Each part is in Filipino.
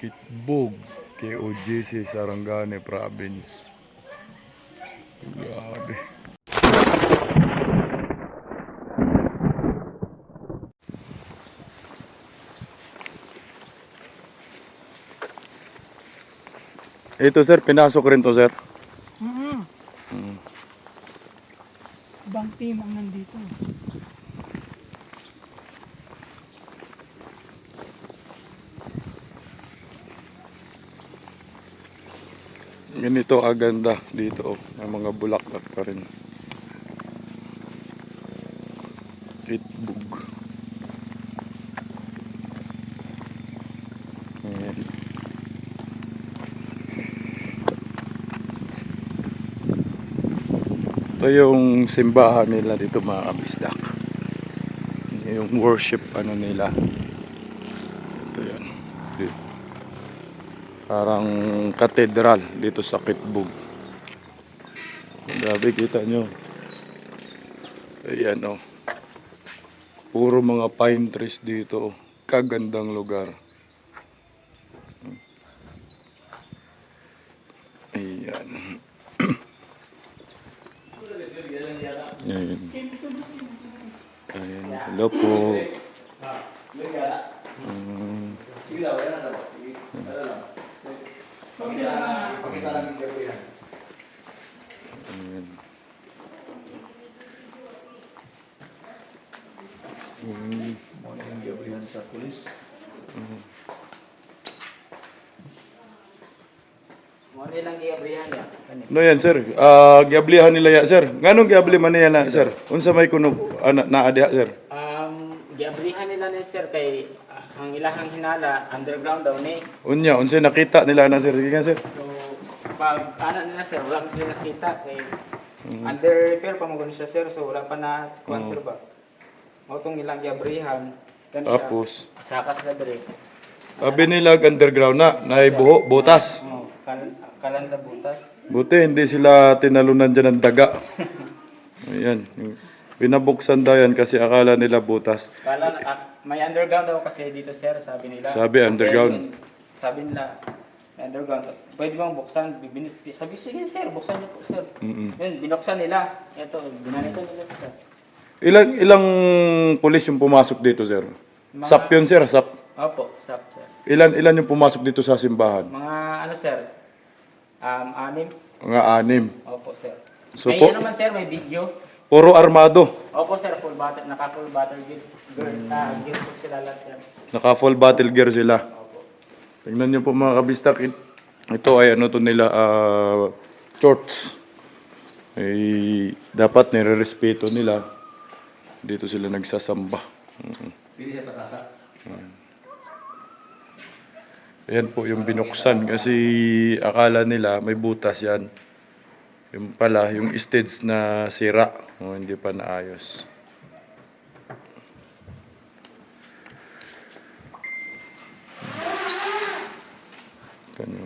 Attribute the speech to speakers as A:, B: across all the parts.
A: Kitbog, KOJC, Sarangani Province. Grabe. Ito sir, pinasok rin to sir.
B: Ibang team ang nandito.
A: Ganito aganda dito, may mga bulaklak pa rin. Kitbog. Ayan. Ito yung simbahan nila dito mga kabisdak. Yung worship ano nila. Ito yan. Parang katedral dito sa Kitbog. Grabe, kita nyo. Ayan o. Puro mga pine trees dito. Kagandang lugar. Ayan. Ayan. Ayan. Hello po. Ayan.
C: Gabrihan sa pulis.
B: Mo nilang giabrihan ya.
A: No yan sir, giablihan nila ya sir. Nganong giabli man niya na sir? Unsa may kuno naadiha sir?
B: Giabrihan nila ni sir kay ang ilahang hinala underground daw ni.
A: Unya, unsay nakita nila na sir? Sige nga sir.
B: So pag ana nila sir, wala man sila nakita kay under repair pa mo siya sir, so wala pa na kuan sir ba. Mao tong ilang giabrihan. Kan siya.
A: Tapos,
B: Sakas na dire.
A: sabi nila underground na, naibuho, butas.
B: Oh, kalanda butas.
A: Buti hindi sila tinalunan dyan ng daga. Ayan. Pinabuksan daw yan kasi akala nila butas.
B: Kala may underground daw kasi dito sir, sabi nila.
A: Sabi underground.
B: Sabi nila may underground. Pwede bang buksan? Sabi sige sir, buksan niyo po sir. Yun, binuksan nila. Ito, binanito nila sir.
A: Ilang pulis yung pumasok dito sir? SAP yun sir, SAP.
B: Opo, sir.
A: Ilan yung pumasok dito sa simbahan?
B: Mga ano sir? Anim.
A: Mga 6.
B: Opo sir.
A: So,
B: may
A: po,
B: ano man sir, may video.
A: puro armado.
B: Opo sir, naka full battle gear po sila lahat sir.
A: Naka full battle gear sila.
B: Opo.
A: Tingnan nyo po mga kabistak. Ito ay ano to nila, shorts. Ay, dapat nire-respeto nila. Dito sila nagsasamba.
C: Pili sa patasa.
A: Ayan po yung binuksan kasi akala nila may butas yan. Yung pala, yung stage na sira. Hindi pa naayos. Ganyan.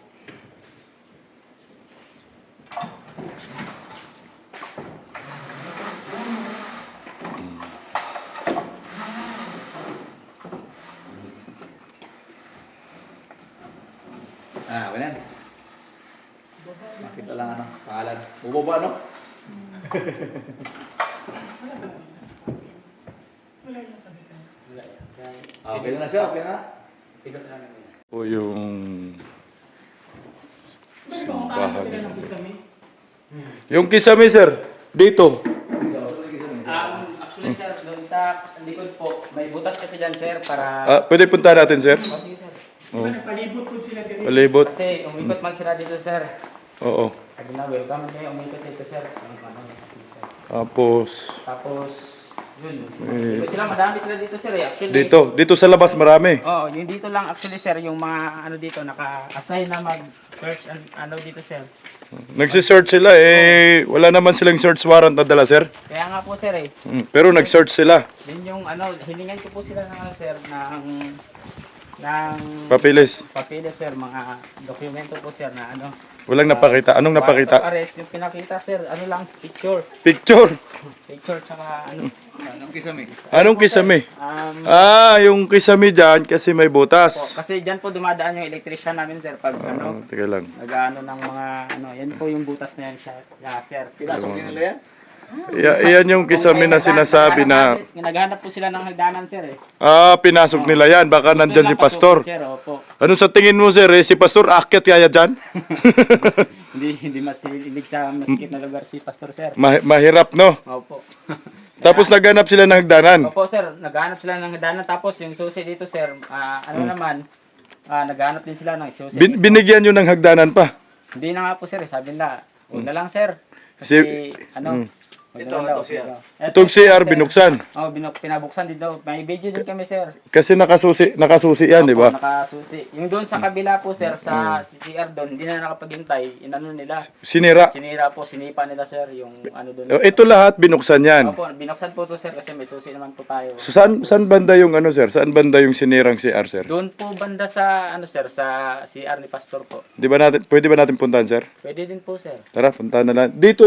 C: Ganyan. Makita lang ano, pangalan. Bubaba no? Okay na siya, okay na.
B: Pigot lang namin.
A: Po yung simbahan. Yung kisame sir, dito.
B: Actually sir, doon sa likod po, may butas kasi dyan sir para...
A: Pwede punta natin sir?
B: Oh, sige sir.
A: Oo.
B: Palibot po sila dito.
A: Palibot.
B: Kasi umikot man sila dito sir.
A: Oo.
B: Sabi na, welcome kayo, umikot dito sir.
A: Tapos,
B: Yun. Ikot sila, madami sila dito sir eh. Actually,
A: dito sa labas marami.
B: oh, yung dito lang actually sir, yung mga ano dito, naka-assign na mag-search and ano dito sir.
A: Nagsisearch sila wala naman silang search warrant na dala sir.
B: Kaya nga po sir eh.
A: Pero nag-search sila.
B: Yun yung ano, hiningan ko po sila ng ano sir, ng ng
A: Papilis.
B: papilis sir, mga dokumento po sir na ano.
A: Walang napakita. Anong
B: warrant of
A: napakita?
B: arrest, yung pinakita sir, ano lang, picture.
A: Picture.
B: Picture tsaka ano.
C: Anong kisame?
A: Anong kisame?
B: Um,
A: Yung kisame dyan kasi may
B: po,
A: butas.
B: kasi dyan po dumadaan yung electrician namin sir pag ano,
A: Teka lang.
B: nag-ano ng mga ano, yan po yung butas na yan siya. Yeah, sir.
C: Pinasok din nila yan?
A: Yan yung kisame na sinasabi na
B: Naghanap po sila ng hagdanan sir eh.
A: pinasok nila yan. Baka nandyan si Pastor.
B: Sir, opo.
A: Ano sa tingin mo sir? Si Pastor akyat kaya dyan?
B: Hindi masilig sa masikip na lugar si Pastor sir.
A: Mahirap no?
B: Opo.
A: Tapos naghanap sila ng hagdanan.
B: Opo sir, naghanap sila ng hagdanan tapos yung susi dito sir, naman, naghanap din sila ng susi.
A: Binigyan nyo ng hagdanan pa.
B: Hindi na nga po sir, sabi nila, huwag na lang sir. Kasi
A: Si-
B: wag na
C: Ito,
B: lang daw,
C: ito, sir.
B: ito.
A: Itong CR
B: sir.
A: binuksan.
B: Oh, pinabuksan din daw. May video din kami sir.
A: Kasi nakasusi yan, di
B: Opo,
A: ba?
B: nakasusi. Yung doon sa kabila po sir, sa CR doon, hindi na nakapaghintay. Inano nila.
A: Sinira.
B: Sinira po, sinipa nila sir yung ano doon.
A: Ito lahat binuksan yan.
B: Opo, binuksan po to sir kasi may susi naman po tayo.
A: So, saan banda yung ano sir? Saan banda yung sinirang CR sir?
B: Doon po banda sa ano sir, sa CR ni Pastor po.
A: Pwede ba natin puntahan sir?
B: Pwede din po sir.
A: Tara, puntahan na lang. Dito,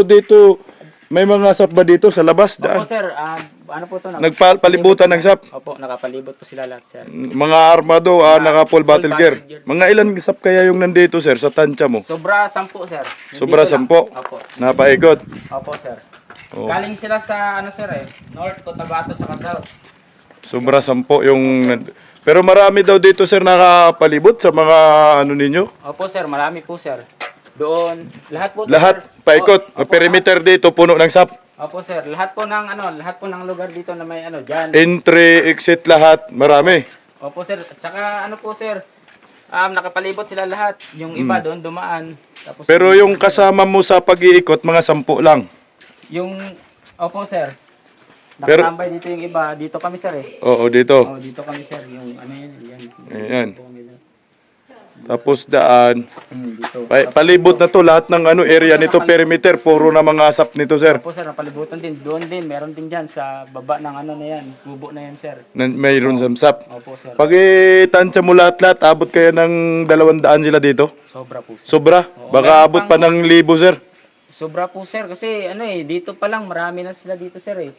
A: may mga sap ba dito sa labas?
B: Opo
A: Daan.
B: sir, ano po to?
A: Nagpalibutan ng sap.
B: Opo, nakapalibot po sila lahat sir.
A: Mga armado, naka full battle gear. Mga ilan sap kaya yung nandito sir sa tansya mo?
B: Sobra 10 sir.
A: Sobra
B: Dito lang.
A: 10?
B: Opo.
A: Napaikot.
B: Opo sir.
A: Oh.
B: Galing sila sa ano sir North, Cotabato, tsaka South.
A: Sobra 10 yung... Pero marami daw dito sir nakapalibot sa mga ano ninyo?
B: Opo sir, marami po sir. Doon, lahat po.
A: Lahat
B: sir.
A: paikot.
B: Opo,
A: Perimeter dito puno ng sap.
B: Opo sir, lahat po ng lugar dito na may ano diyan.
A: Entry, exit lahat. Marami.
B: Opo sir, tsaka ano po sir, nakapalibot sila lahat. Yung iba doon dumaan. Tapos
A: Pero yung kasama mo sa pag-iikot, mga 10 lang.
B: yung opo sir.
A: Pero-
B: Nakatambay dito yung iba, dito kami sir eh.
A: Oo, dito.
B: Oh, dito kami sir, yung ano yan.
A: Ayan.
B: Dito kami, sir.
A: Tapos daan.
B: Dito.
A: Palibot na to lahat ng ano area nito perimeter puro na mga sap nito sir.
B: Opo sir, napalibutan din. Doon din, meron din dyan sa baba ng ano na yan. Kubo na yan sir.
A: Mayroon sa sap.
B: Opo sir.
A: Pag itansya mo lahat-lahat, abot kayo ng 200 sila dito.
B: Sobra po sir.
A: Sobra. Baka abot pa ng 1,000 sir.
B: Sobra po sir kasi ano dito pa lang marami na sila dito sir eh.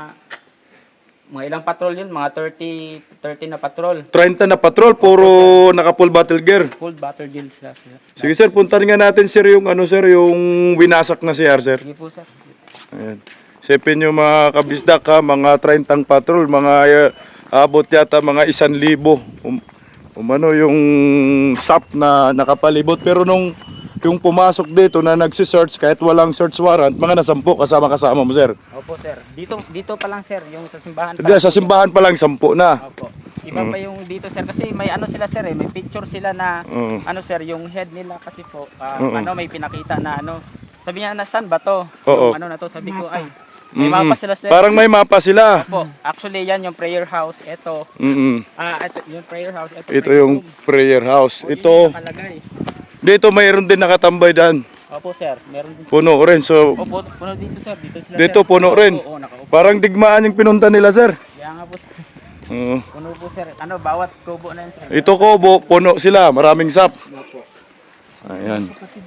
B: Mga ilang patrol yun, mga 30 na patrol.
A: 30 na patrol, puro naka full battle gear.
B: Full battle guild sila.
A: Sige sir, puntahan nga natin sir yung ano sir, yung winasak na CR sir.
B: Sige po sir.
A: Ayan. Isipin nyo mga kabisdak ha, mga 30 patrol, mga abot yata mga 1,000. Umano yung SAP na nakapalibot. Pero nung yung pumasok dito na nagsisearch kahit walang search warrant, mga nasampu kasama mo sir.
B: Opo sir. Dito pa lang sir, yung sa simbahan pa.
A: Hindi, sa simbahan pa lang 10 na.
B: Opo. Iba pa yung dito sir kasi may ano sila sir may picture sila na ano sir, yung head nila kasi po may pinakita na ano. Sabi niya na saan ba to?
A: Oo.
B: Yung ano na to, sabi ko ay may mapa sila sir.
A: Parang may mapa sila.
B: Opo. Actually yan yung prayer house. Ito. Ito yung prayer house.
A: Ito yung prayer house. Ito,
B: Nakalagay.
A: dito mayroon din nakatambay dyan.
B: Opo sir, meron din.
A: Puno rin. So,
B: Opo, puno dito sir. Dito sila
A: dito
B: sir.
A: puno rin.
B: Oo, nakaupo.
A: Parang digmaan yung pinunta nila sir.
B: Kaya nga po sir.
A: Oo.
B: Puno po sir. Ano, bawat kubo na yun sir.
A: Ito Kobo, puno sila, maraming sap.
B: Opo.
A: Ayan.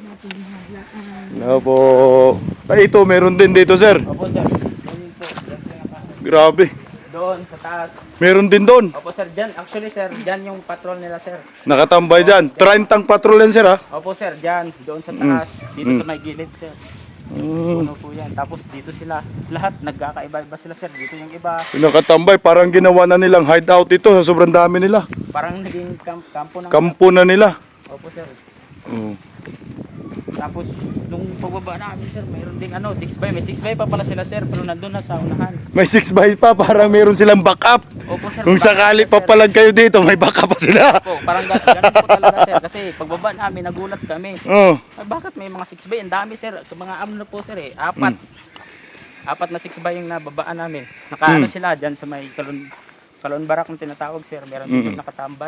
A: Opo. Ay, ito, meron din dito, sir.
B: Opo sir. Ganyan po. Yan sila pa.
A: Grabe.
B: Doon sa taas.
A: Meron din doon.
B: Opo sir, dyan. Actually sir, dyan yung patrol nila sir.
A: Nakatambay dyan. 30 patrol yan, sir, ha?
B: Opo sir, dyan. Doon sa taas. Dito sa may gilid sir. Puno po yan. Tapos dito sila. Lahat nagkakaiba-iba sila sir. Dito yung iba.
A: Nakatambay, parang ginawa na nilang hideout ito sa sobrang dami nila.
B: Parang naging kampo ng...
A: Kampo na nila.
B: Opo sir.
A: Oo.
B: Tapos nung pagbaba namin sir, mayroon ding ano, 6x. May 6x pa pala sila sir, pero nandun na sa unahan.
A: May 6x pa, parang meron silang backup.
B: Opo sir.
A: Kung sakali papalag kayo dito, may backup pa sila.
B: Opo, parang ganun po talaga sir. Kasi pagbaba namin, nagulat kami.
A: Oo.
B: Ay, bakit may mga 6x? Ang dami sir. Mga ano na po sir eh. Apat na 6x yung nababaan namin. Nakaano sila dyan sa may Kalon Barak ng tinatawag sir. Meron din yung nakatambay.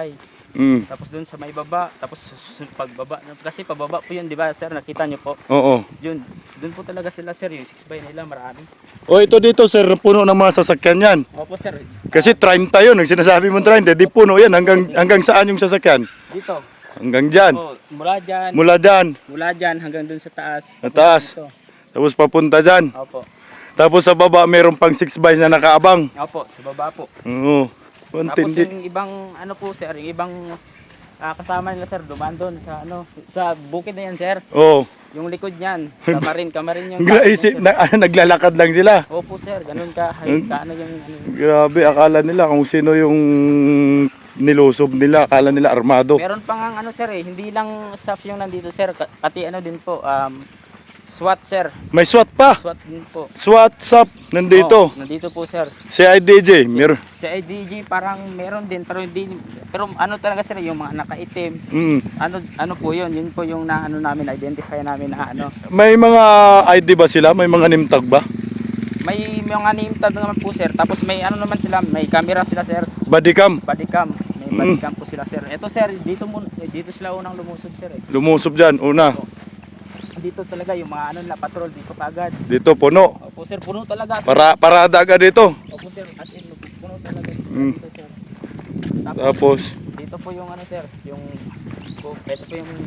B: Tapos doon sa may baba, tapos pagbaba, kasi pababa po yun, di ba sir, nakita nyo po.
A: Oo.
B: Yun, doon po talaga sila sir, yung 6x nila, marami.
A: O ito dito sir, puno ng mga sasakyan yan.
B: Opo sir,
A: Kasi 30 yun, ang sinasabi mo 30, di puno yan. Hanggang saan yung sasakyan?
B: dito.
A: Hanggang dyan.
B: Oh, mula dyan,
A: Mula dyan,
B: hanggang doon sa taas.
A: sa taas.
B: Dito.
A: Tapos papunta dyan.
B: Opo.
A: Tapos sa baba, mayroon pang 6 by na nakaabang.
B: Opo, sa baba po.
A: Oo.
B: Tapos
A: Pantindi.
B: yung ibang ano po sir, yung ibang kasama nila sir, dumaan doon sa ano, sa bukid na yan sir.
A: Oo.
B: Yung likod niyan, kamarin yung
A: Naglalakad lang sila.
B: Opo sir, ganun ka, ano yung ano.
A: Grabe, akala nila kung sino yung nilusob nila. Akala nila armado.
B: Meron pa nga ano sir hindi lang staff yung nandito sir, pati ano din po, SWAT sir.
A: May SWAT pa.
B: SWAT din po.
A: SWAT SAP nandito.
B: Nandito po sir.
A: CIDJ, meron.
B: Sa IDG parang meron din pero hindi, pero ano talaga sir yung mga nakaitim.
A: Mm.
B: Ano po yun po yung na ano namin, identify namin na ano.
A: May mga ID ba sila? May mga name tag ba?
B: May mga name tag naman po sir. Tapos may ano naman sila, may camera sila sir.
A: Bodycam.
B: Bodycam. May bodycam po sila sir. Ito sir, dito sila unang lumusob sir eh.
A: Lumusob dyan, una.
B: Dito talaga yung mga ano nila patrol dito kagad.
A: Dito, puno.
B: Opo sir, puno talaga.
A: Parada agad dito.
B: Opo sir, as in puno talaga dito sir.
A: Tapos,
B: Dito po yung ano sir, yung ito po yung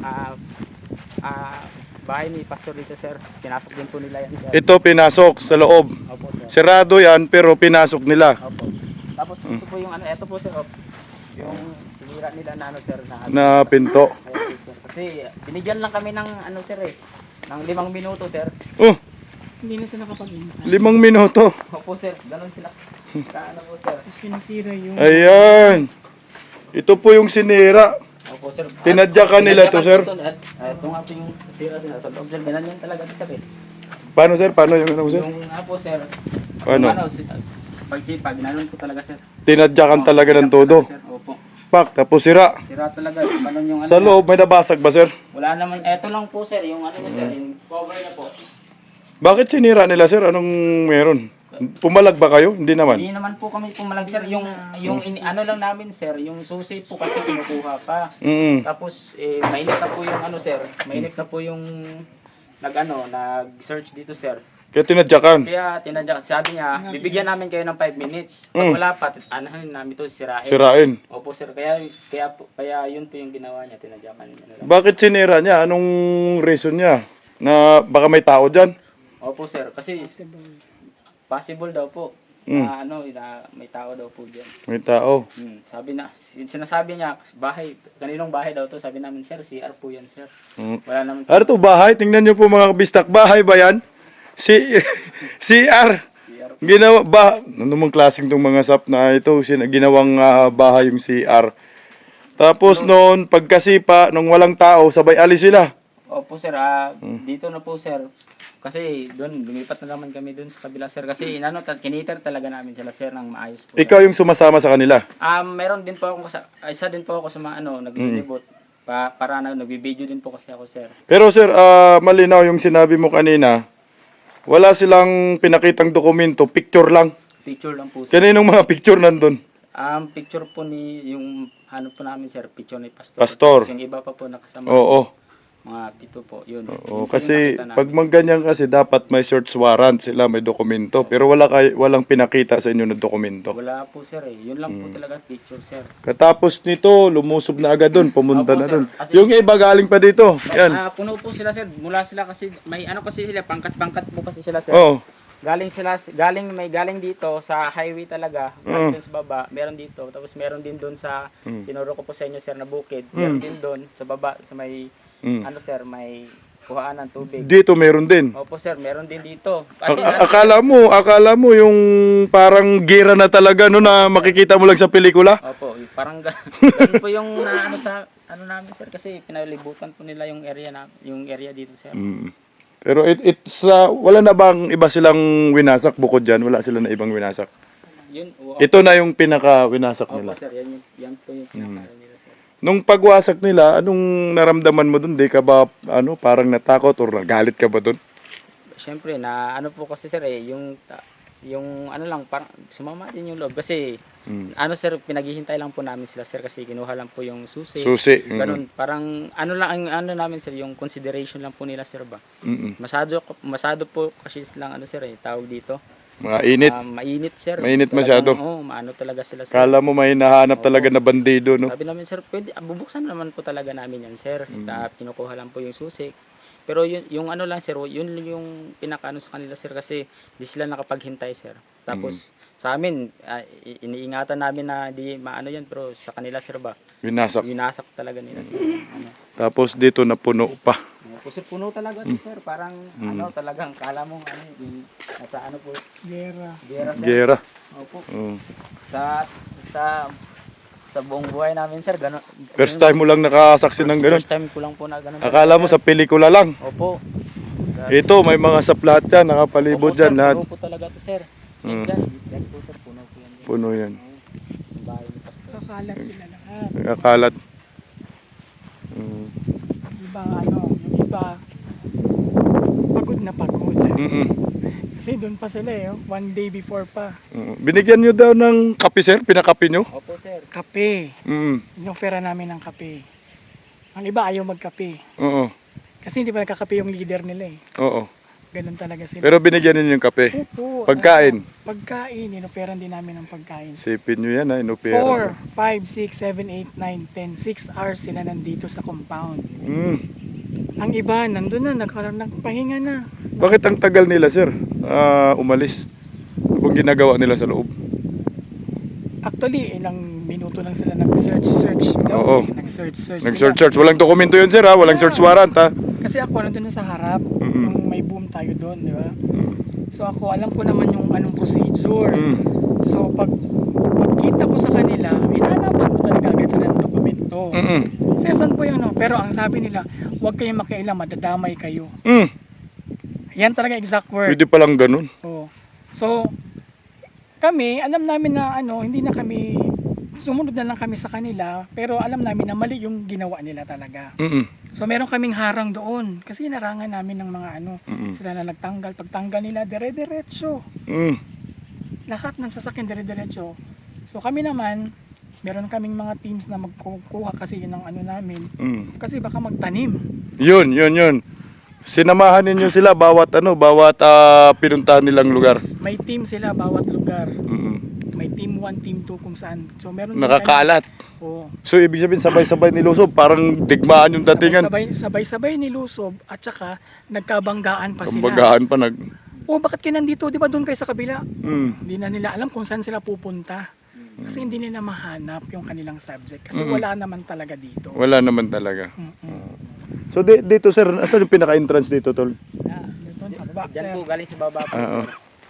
B: bahay ni Pastor dito sir. Pinasok din po nila yan sir.
A: ito pinasok sa loob.
B: Opo sir.
A: Sirado yan, pero pinasok nila.
B: Opo. Tapos ito po yung ano, ito po sir. Yung sinira nila na ano sir
A: Na pinto.
B: Ayan, sir. Kasi binigyan lang kami ng ano sir ng 5 minuto sir.
A: Oh,
B: Hindi na sila nakapag-intay.
A: 5 minuto.
B: Opo sir, ganun sila. Ano po sir. Tapos sinasira yung...
A: Ayan. Ito po yung sinira.
B: Opo sir.
A: Tinadyakan nila to, sir?
B: Ito nga po yung sira sila sa loob sir. Ganun yan talaga sir
A: Paano sir? Paano yung ano sir?
B: Yung nga po sir.
A: Paano?
B: Pagsipag, ganun po talaga sir.
A: Tinadyakan talaga ng todo.
B: Sir, opo.
A: Pak, tapos sira.
B: Sira talaga. Ganun yung ano.
A: Sa loob, may nabasag ba sir?
B: Wala naman. Eto lang po sir. Yung ano na sir. Yung cover na po.
A: Bakit sinira nila sir? Anong meron? Pumalag ba kayo? Hindi naman.
B: Hindi naman po kami pumalag sir. Yung ano lang namin sir. Yung susi po kasi kinukuha pa. Tapos mainit na po yung ano sir. Mainit na po yung nag-search dito sir.
A: Kaya tinadyakan.
B: Kaya tinadyak, sabi niya, bibigyan namin kayo ng 5 minutes. Pag wala pa, anahin namin ito sirain.
A: Sirain.
B: Opo sir, kaya yun po yung ginawa niya, tinadyakan niya.
A: Bakit sinira niya? Anong reason niya? Na baka may tao dyan?
B: Opo sir, kasi possible daw po. Na may tao daw po diyan.
A: May tao.
B: Sinasabi niya, kaninong bahay daw to? Sabi namin, sir, CR po yan, sir. Wala naman.
A: Ano to, bahay? Tingnan niyo po mga kabistak. Bahay ba yan? CR. Ginawa ba? Ano mong klaseng tong mga sap na ito? Ginawang bahay yung CR. Tapos noon, pagkasipa, nung walang tao, sabay alis sila.
B: Opo sir, dito na po sir. Kasi doon, lumipat na naman kami doon sa kabila sir. Kasi kiniter talaga namin sila sir ng maayos po.
A: Ikaw yung sumasama sa kanila?
B: Meron din po ako, isa din po ako sa mga naglilibot. Para nagbibideo din po kasi ako sir.
A: Pero sir, malinaw yung sinabi mo kanina. Wala silang pinakitang dokumento, picture lang.
B: Picture lang po sir.
A: Kaninong mga picture nandun?
B: Picture po yung po namin sir, picture ni Pastor.
A: Pastor.
B: Yung iba pa po nakasama.
A: Oo.
B: Mga pito po, yun.
A: Oo,
B: Yun po
A: kasi
B: yung nakita
A: pag mangganyan kasi dapat may search warrant sila, may dokumento. Pero walang pinakita sa inyo na dokumento.
B: Wala po sir Yun lang po talaga picture sir.
A: Katapos nito, lumusob na agad doon, pumunta
B: Opo,
A: na
B: sir.
A: doon.
B: Kasi-
A: Yung iba galing pa dito. Yan.
B: Puno po sila sir. Mula sila kasi may kasi sila pangkat-pangkat po kasi sila sir.
A: Oo.
B: Galing dito sa highway talaga, galing dun sa baba, meron dito, tapos meron din doon sa tinuro ko po sa inyo sir na bukid, meron din doon sa baba sa may sir, may kuhaan ng tubig.
A: Dito meron din.
B: Opo sir, meron din dito. Kasi
A: Akala mo yung parang gira na talaga no na makikita mo lang sa pelikula?
B: Opo, parang ganun po yung sa namin sir kasi pinalibutan po nila yung area dito sir.
A: Pero wala na bang iba silang winasak bukod dyan? Wala sila na ibang winasak?
B: Yun,
A: Ito na yung pinaka-winasak
B: opo
A: nila.
B: sir, yan po yung pinaka nila sir.
A: Nung pagwasak nila, anong naramdaman mo dun? Di ka ba parang natakot or nagalit ka ba dun?
B: Siyempre po kasi sir yung yung ano lang, parang sumama din yung loob. Kasi,
A: Mm.
B: ano sir, pinaghihintay lang po namin sila sir kasi kinuha lang po yung susi.
A: Susi.
B: Ganun, parang ano lang, ang ano namin sir, yung consideration lang po nila sir ba.
A: Mm.
B: Masyado po kasi silang ano sir tawag dito.
A: Mga init.
B: Mainit sir.
A: Mainit
B: Talagang,
A: masyado.
B: Oo, maano talaga sila sir.
A: Kala mo may hinahanap talaga na bandido, no?
B: Sabi namin sir, pwede, bubuksan naman po talaga namin yan sir.
A: Mm.
B: Kinukuha lang po yung susi. Pero yung ano lang sir, yun yung pinakaano sa kanila sir kasi di sila nakapaghintay sir. Tapos sa amin, iniingatan namin na di maano yan pero sa kanila sir ba,
A: Winasak.
B: winasak talaga nila sir. Ano.
A: Tapos dito napuno pa.
B: Kasi puno talaga to sir, parang ano talagang kala mo ano yung nasa ano po,
D: Gera.
B: gera sir.
A: Gera.
B: Opo.
A: Oh.
B: Sa buong buhay namin sir, gano'n.
A: First time mo lang nakasaksi ng ganun.
B: First time ko lang po na gano'n.
A: Akala mo sa pelikula lang.
B: Opo.
A: Ito, may mga saplat yan, nakapalibot
B: Opo,
A: dyan
B: sir,
A: lahat.
B: puno po talaga to sir.
A: Mm.
B: Yan po sir, puno po yan.
A: Puno yan.
B: Yung bahay ni Pastor.
D: Kakalat sila lahat.
A: Nakakalat. Mm.
D: Iba ano, yung iba, pagod na pagod.
A: Mm-mm.
D: Kasi doon pa sila one day before pa.
A: Mm. Binigyan nyo daw ng kape, sir? Pinakape nyo?
B: Opo sir.
D: Kape.
A: Mm.
D: Inofera namin ng kape. Ang iba ayaw magkape.
A: Oo.
D: Kasi hindi pa nagkakape yung leader nila
A: Oo.
D: Ganun talaga sila.
A: Pero binigyan ninyo yung kape.
D: Opo,
A: Pagkain.
D: Pagkain. Inoferan din namin ng pagkain.
A: Sipin nyo yan, ha? Inopera.
D: 4, 5, 6, 7, 8, 9, 10. 6 hours sila nandito sa compound.
A: Mm.
D: Ang iba, nandun na, nagpahinga na.
A: Bakit ang tagal nila, sir? Umalis. Ano bang ginagawa nila sa loob?
D: Actually, ilang minuto lang sila nag-search daw.
A: Oo.
D: Nag-search
A: Nag-search. Walang dokumento yun, sir, ha? Walang search warrant, ha?
D: Kasi ako nandun na sa harap,
A: Mm-mm.
D: nung may boom tayo doon, di ba? So ako, alam ko naman yung anong procedure.
A: Mm.
D: So pagkita ko sa kanila, hinanapan ko talaga agad sila ng dokumento.
A: Mm-mm.
D: Sir, saan po yun? Pero ang sabi nila, huwag kayong makialam, madadamay kayo.
A: Mm.
D: Yan talaga exact word.
A: Pwede palang ganun.
D: Oo. So, kami, alam namin na hindi na kami, sumunod na lang kami sa kanila, pero alam namin na mali yung ginawa nila talaga.
A: Mm-mm.
D: So, meron kaming harang doon, kasi narangan namin ng mga
A: Mm-mm.
D: sila na nagtanggal. Pagtanggal nila, dire-diretso.
A: Mm.
D: Lahat ng sasakyan dire-diretso. So, kami naman, meron kaming mga teams na magkukuha kasi yun ng namin.
A: Mm.
D: Kasi baka magtanim.
A: Yun. Sinamahan ninyo sila bawat pinuntahan nilang lugar.
D: May team sila bawat lugar.
A: Mm.
D: May team 1, team 2 kung saan. So, meron din
A: Nakakalat.
D: kami- Oo.
A: So ibig sabihin sabay-sabay nilusob, parang digmaan yung datingan.
D: Sabay-sabay nilusob at saka nagkabanggaan pa sila.
A: Kumbagaan pa nag
D: Bakit kayo nandito? Di ba doon kayo sa kabila?
A: mm.
D: Hindi na nila alam kung saan sila pupunta. Kasi hindi nila mahanap yung kanilang subject. Kasi
A: Mm.
D: wala naman talaga dito.
A: Wala naman talaga.
D: Mm-mm.
A: So dito sir, asan yung pinaka-entrance dito, tol?
D: Doon sa baba.
B: Diyan po, galing sa baba po
A: Oo.
B: sir.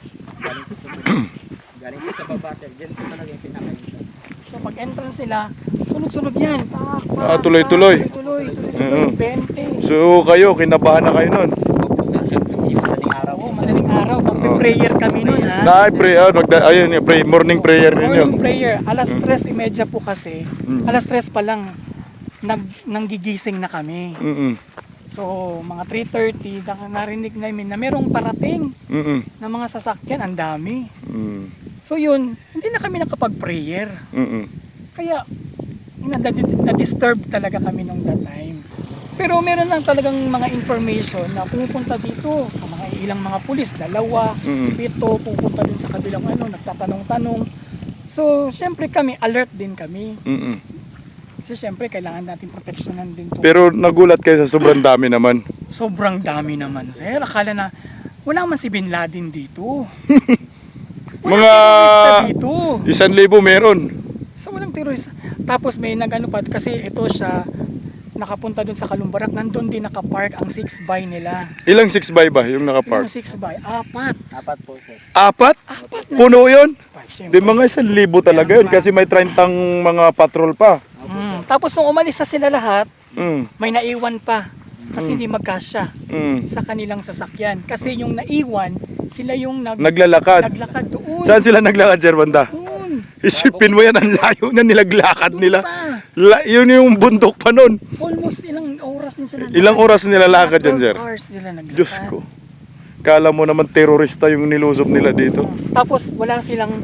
B: Galing po sa baba sir. Diyan po talaga yung pinakainta.
D: So pag entrance nila, sunod-sunod yan.
A: Tuloy-tuloy.
D: Tuloy-tuloy.
A: Oo.
D: 20.
A: So kayo, kinabahan na kayo nun?
B: Opo sir, syempre, hindi madaling araw po
D: Oo,
B: sir.
D: madaling araw. Magpe-prayer kami nun ha.
A: Ayun, yung morning prayer ninyo.
D: Morning prayer. Alas 3:30 po kasi.
A: Mm.
D: Alas 3 pa lang nanggigising na kami.
A: Mm.
D: So, mga 3:30, narinig namin na merong parating
A: Mm.
D: na mga sasakyan, ang dami.
A: Mm.
D: So yun, hindi na kami nakapag-prayer.
A: Mm.
D: Kaya, na-disturb talaga kami nung that time. Pero meron lang talagang mga information na pumupunta dito, ang mga ilang mga pulis, 2,
A: Mm.
D: 7, pupunta dun sa kabilang nagtatanong-tanong. So, syempre kami, alert din kami.
A: Mm.
D: Kasi syempre, kailangan natin proteksyonan din to.
A: Pero nagulat kayo sa sobrang dami naman.
D: Sobrang dami naman, sir. Akala na, wala man si Bin Laden dito.
A: Mga
D: Dito.
A: 1,000 meron.
D: So walang terorista. Tapos may nagano pa kasi ito siya nakapunta dun sa Kalumbarak, nandun din nakapark ang 6x nila.
A: Ilang 6x ba yung nakapark?
D: Yung 6x, 4.
B: Apat po sir.
A: 4?
D: 4 na.
A: Puno yun?
D: Siyempre.
A: Di mga 1,000 talaga yun kasi may 30 mga patrol pa.
D: Tapos nung umalis na sila lahat,
A: Mm.
D: may naiwan pa. Kasi hindi magkasya
A: Mm.
D: sa kanilang sasakyan. Kasi yung naiwan, sila yung
A: Naglalakad.
D: naglakad doon.
A: Saan sila naglakad, Sir Banda?
D: Doon.
A: Isipin mo yan, ang layo na nilaglakad
D: Doon
A: nila.
D: pa.
A: Yun yung bundok pa nun.
D: Almost ilang oras din sila.
A: Ilang oras nilalakad yan, Sir?
D: 12 hours sila naglakad.
A: Diyos ko. Kala mo naman terorista yung nilusob nila dito.
D: Tapos wala silang,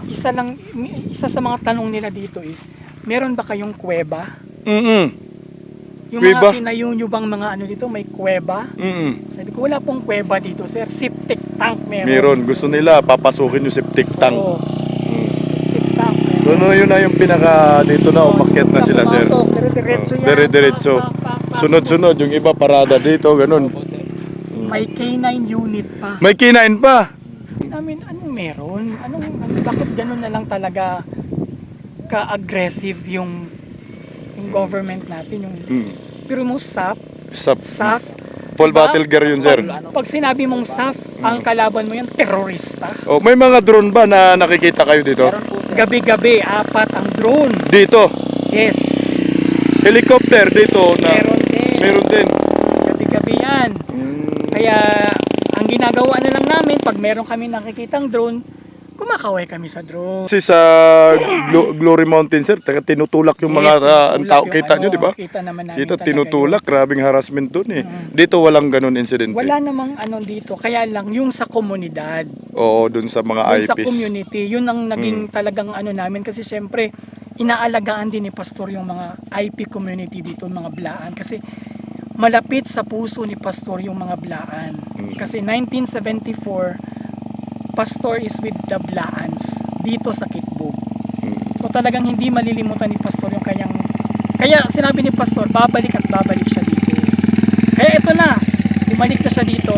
D: isa sa mga tanong nila dito is, meron ba kayong kuweba? Yung
A: Kuweba?
D: mga tinayo nyo bang mga ano dito, may kuweba? Sabi ko, wala pong kuweba dito, sir. Septic tank meron.
A: Meron. Gusto nila papasukin yung septic tank.
D: Oo, septic tank.
A: So, yun na yung pinaka dito na umakyat na sila, sir.
D: Dire-diretso yan.
A: Dire-diretso. Sunod-sunod. Yung iba parada dito, ganun.
D: May K9 unit pa.
A: May kinain pa.
D: Namin, anong meron? Bakit ganun na lang talaga ka-aggressive yung government natin? Pero mo SAF,
A: Full battle gear yun, sir.
D: pag sinabi mong SAF, ang kalaban mo yan, terorista.
A: Oh, may mga drone ba na nakikita kayo dito?
B: Meron po sir.
D: Gabi-gabi, 4 ang drone.
A: Dito.
D: Yes,
A: Helicopter dito na
D: meron din.
A: meron din.
D: Gabi-gabi yan. Kaya, ang ginagawa na lang namin, pag meron kami nakikitang drone, kumakaway kami sa drone.
A: Kasi sa Glory Mountain, sir, tinutulak yung mga ang tao. Kita nyo, di ba?
D: Kita naman namin
A: Kita
D: talaga
A: tinutulak, grabing harassment dun eh. Dito walang ganun incident.
D: Wala namang ano dito, kaya lang yung sa komunidad,
A: Oo, dun sa mga
D: yung sa
A: IPs.
D: community, yun ang naging talagang ano namin kasi syempre inaalagaan din ni Pastor yung mga IP community dito, mga Blaan, kasi malapit sa puso ni Pastor yung mga Blaan. Kasi 1974 Pastor is with the Blaans dito sa Kitbog. So talagang hindi malilimutan ni Pastor yung kanyang, kaya sinabi ni Pastor, babalik at babalik siya dito. Kaya ito na, bumalik na siya dito,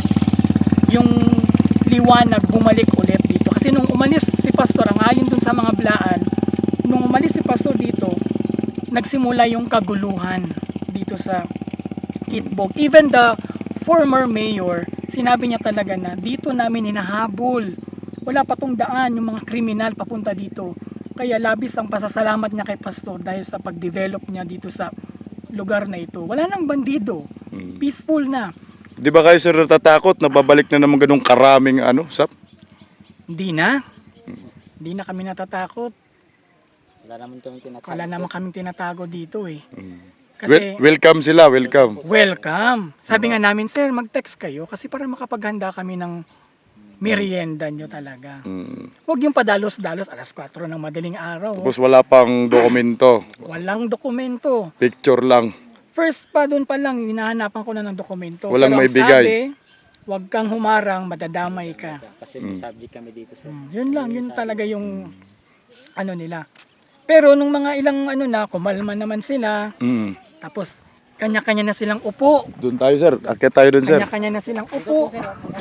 D: yung liwanag bumalik ulit dito. Kasi nung umalis si Pastor, ang ayon dun sa mga Blaan, nung umalis si Pastor dito, nagsimula yung kaguluhan dito sa Kitbog. Even the former mayor, sinabi niya talaga na dito namin hinahabol. Wala pa tong daan yung mga kriminal papunta dito. Kaya labis ang pasasalamat niya kay Pastor dahil sa pag-develop niya dito sa lugar na ito. Wala nang bandido. Peaceful na.
A: Di ba kayo, sir, natatakot na babalik na naman ganung karaming SAP?
D: Hindi na. Hindi na kami natatakot.
B: Wala naman kami tinatawag.
D: Wala naman kaming tinatago dito eh. Kasi
A: Welcome sila, welcome.
D: welcome. Sabi nga namin, sir, mag-text kayo kasi para makapaghanda kami ng merienda nyo talaga. Huwag yung padalos-dalos, alas 4 ng madaling araw.
A: Tapos wala pang dokumento.
D: Walang dokumento.
A: Picture lang.
D: First pa, doon pa lang, hinahanapan ko na ng dokumento.
A: Walang
D: Pero ang
A: maibigay.
D: sabi, huwag kang humarang, madadamay ka.
B: Kasi may subject kami dito sir.
D: Yun lang, yun talaga yung ano nila. Pero nung mga ilang ano na, kumalma naman sila, tapos kanya-kanya na silang upo.
A: Doon tayo, sir. Akit tayo doon, sir.
D: Kanya-kanya na silang upo.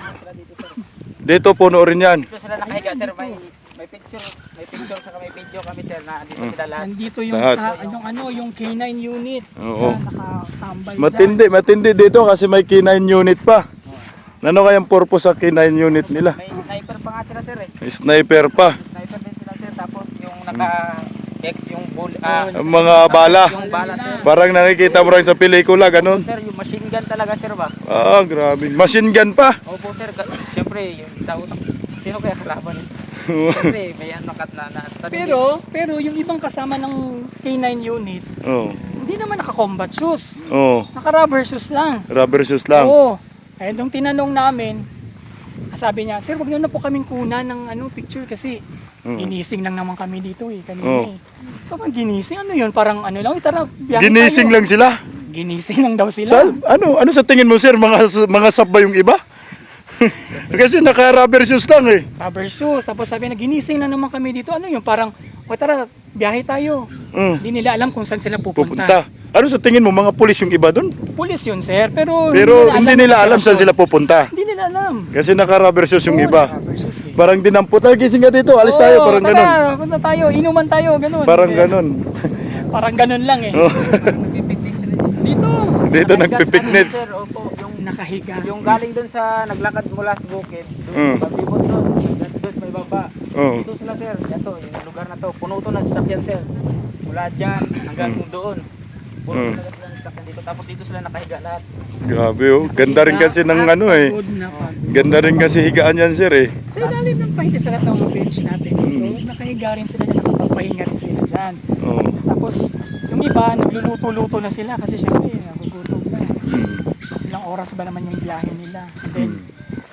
A: Dito, puno rin yan.
B: Dito sila nakahiga sir, may picture saka may video kami sir na dito sila lahat.
D: Nandito yung
A: Lahat.
D: yung K9 unit.
A: Oo.
D: Nakatambay
A: Matindi dito kasi may K9 unit pa. Ano kayang purpose sa K9 unit nila?
B: May sniper pa nga sila sir eh.
A: May sniper pa.
B: Sniper din sila sir, tapos yung naka-X yung
A: Ang mga bala.
B: yung bala sir.
A: Parang nakikita mo rin sa pelikula, ganun.
B: Sir, yung machine gun talaga sir ba?
A: Ah, grabe. Machine gun pa.
B: Opo sir, siyempre yung sa utak, sino kaya kalaban? Siyempre may ano kat na
D: Pero yung ibang kasama ng K9 unit,
A: Oh.
D: hindi naman naka-combat shoes.
A: Oh.
D: Naka-rubber shoes lang.
A: Rubber shoes lang.
D: Oo. Kaya nung tinanong namin, sabi niya, sir, wag niyo na po kaming kunan ng picture kasi ginising lang naman kami dito eh, kanina eh. So, pag ginising, ano yun? Parang ano lang, tara, biyahe
A: Ginising
D: tayo.
A: lang sila.
D: Ginising lang daw sila.
A: Sa, ano sa tingin mo, sir? Mga sub ba yung iba? Kasi naka-rubber shoes lang eh.
D: Rubber shoes. Tapos sabi na, ginising na naman kami dito. Ano yun? Parang, o tara, biyahe tayo. Hindi nila alam kung saan sila pupunta.
A: Pupunta. Ano sa tingin mo, mga pulis yung iba doon?
D: Pulis yun, sir. Pero
A: Hindi nila alam saan sila pupunta.
D: Hindi nila alam.
A: Kasi naka-rubber shoes yung
D: Oo,
A: iba.
D: rubber shoes eh.
A: Parang dinampot, gising ka dito, alis tayo, parang
D: tara,
A: ganun.
D: punta tayo, inuman tayo, ganun.
A: Parang
D: Eh,
A: ganun.
D: Parang ganun lang eh.
A: Oh.
D: Dito.
A: Dito nagpipiknik.
B: Sir, opo, yung
D: Nakahiga.
B: yung galing doon sa naglakad mula sa bukid, doon pabibot doon, doon may baba.
A: Oh.
B: Dito sila sir, ito, yung lugar na to, puno to ng sasakyan sir. Mula dyan hanggang doon. Puno talaga sila ng sasakyan dito, tapos dito sila nakahiga lahat.
A: Grabe oh. Ganda rin kasi ng ano eh.
D: Pagod na pagod.
A: Ganda rin kasi higaan yan, sir eh.
D: Sa ilalim ng pahinga sa lahat ng mga bench natin dito, nakahiga rin sila, nakapagpahinga rin sila dyan.
A: Oh.
D: Tapos, yung iba, nagluluto-luto na sila kasi syempre, nagugutom na. Ilang oras ba naman yung biyahe nila. And then,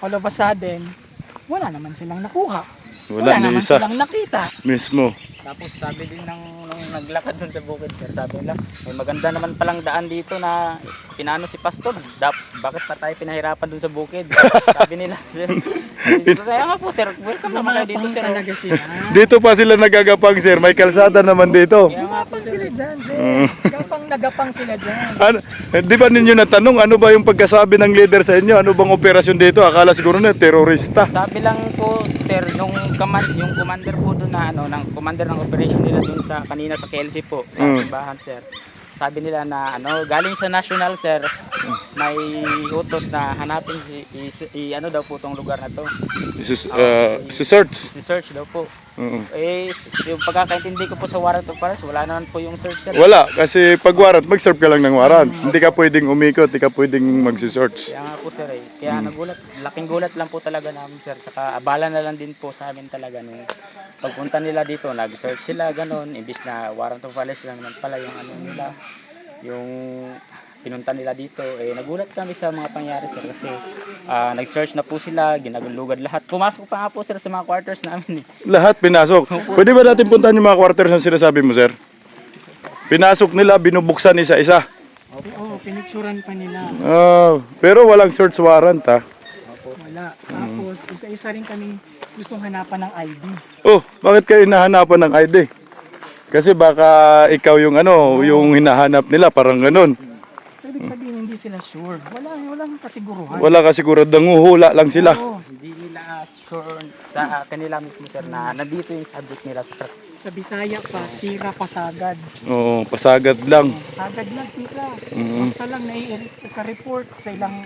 D: all of a sudden, wala naman silang nakuha.
A: Wala ni
D: naman
A: isa.
D: silang nakita.
A: Mismo.
B: Tapos sabi din nung naglakad dun sa bukid sir, sabi nila, may maganda naman palang daan dito na pinano si Pastor. Bakit pa tayo pinahirapan dun sa bukid? Sabi nila, sir. Kaya nga po sir, welcome naman kayo dito
D: Gumapang
B: sir.
D: talaga sila.
A: Dito pa sila nagagapang, sir. May kalsada naman dito.
B: Kaya nga po
D: Gumapang
B: sir.
D: sila dyan, sir. Nagapang sila dyan.
A: Ano, di ba ninyo natanong ano ba yung pagkasabi ng leader sa inyo? Ano bang operasyon dito? Akala siguro na terorista.
B: Sabi lang po sir, yung commander po doon na ano, ng commander ng operation nila doon sa kanina sa KLC po, sa simbahan sir. Sabi nila na ano, galing sa national sir, may utos na hanapin ano daw po tong lugar na to.
A: Si-search.
B: Si search daw po.
A: Oo.
B: Eh, yung pagkakaintindi ko po sa warrant of arrest, wala naman po yung search sir.
A: Wala, kasi pag warrant, mag-serve ka lang ng warrant. Hindi ka pwedeng umikot, hindi ka pwedeng mag-search.
B: Kaya nga po sir eh. Kaya nagulat, laking gulat lang po talaga namin sir. Saka abala na lang din po sa amin talaga nung pagpunta nila dito, nag-search sila ganun, imbis na warrant of arrest lang naman pala yung ano nila, yung pinunta nila dito. Eh nagulat kami sa mga pangyari sir kasi nag-search na po sila, ginagulugad lahat. Pumasok pa nga po sir sa mga quarters namin eh.
A: Lahat pinasok. Pwede ba natin puntahan yung mga quarters na sinasabi mo, sir? Pinasok nila, binubuksan isa-isa.
D: Oo, pinicturan pa nila.
A: Pero walang search warrant, ha?
D: Wala. Tapos, isa-isa rin kami gustong hanapan ng ID.
A: Oh, bakit kayo hinahanapan ng ID? Kasi baka ikaw yung yung hinahanap nila, parang ganun.
D: So, ibig sabihin, hindi sila sure. Walang kasiguruhan.
A: Wala ka siguro, danguhula lang sila.
D: Oo.
B: Hindi nila sure sa kanila mismo sir na nandito yung subject nila sir.
D: Sa Bisaya pa, tira pasagad.
A: Oo, pasagad lang.
D: Pasagad lang, tira.
A: Mm.
D: Basta lang nai-report sa ilang...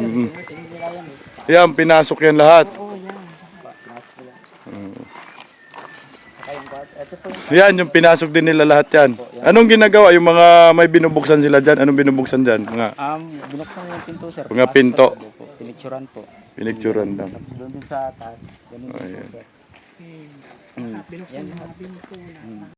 A: Yan, pinasok yan lahat.
D: Oo, yan.
B: Ito po yung
A: Yan, yung pinasok din nila lahat yan. Anong ginagawa? Yung mga may binubuksan sila dyan, anong binubuksan dyan? Mga
B: binuksan yung pinto sir.
A: Mga pinto.
B: Pinicturan po.
A: pinicturan lang.
B: Doon din sa taas. Ganun din po
A: Ayan.
B: sir.
D: Kasi binuksan yung mga binto na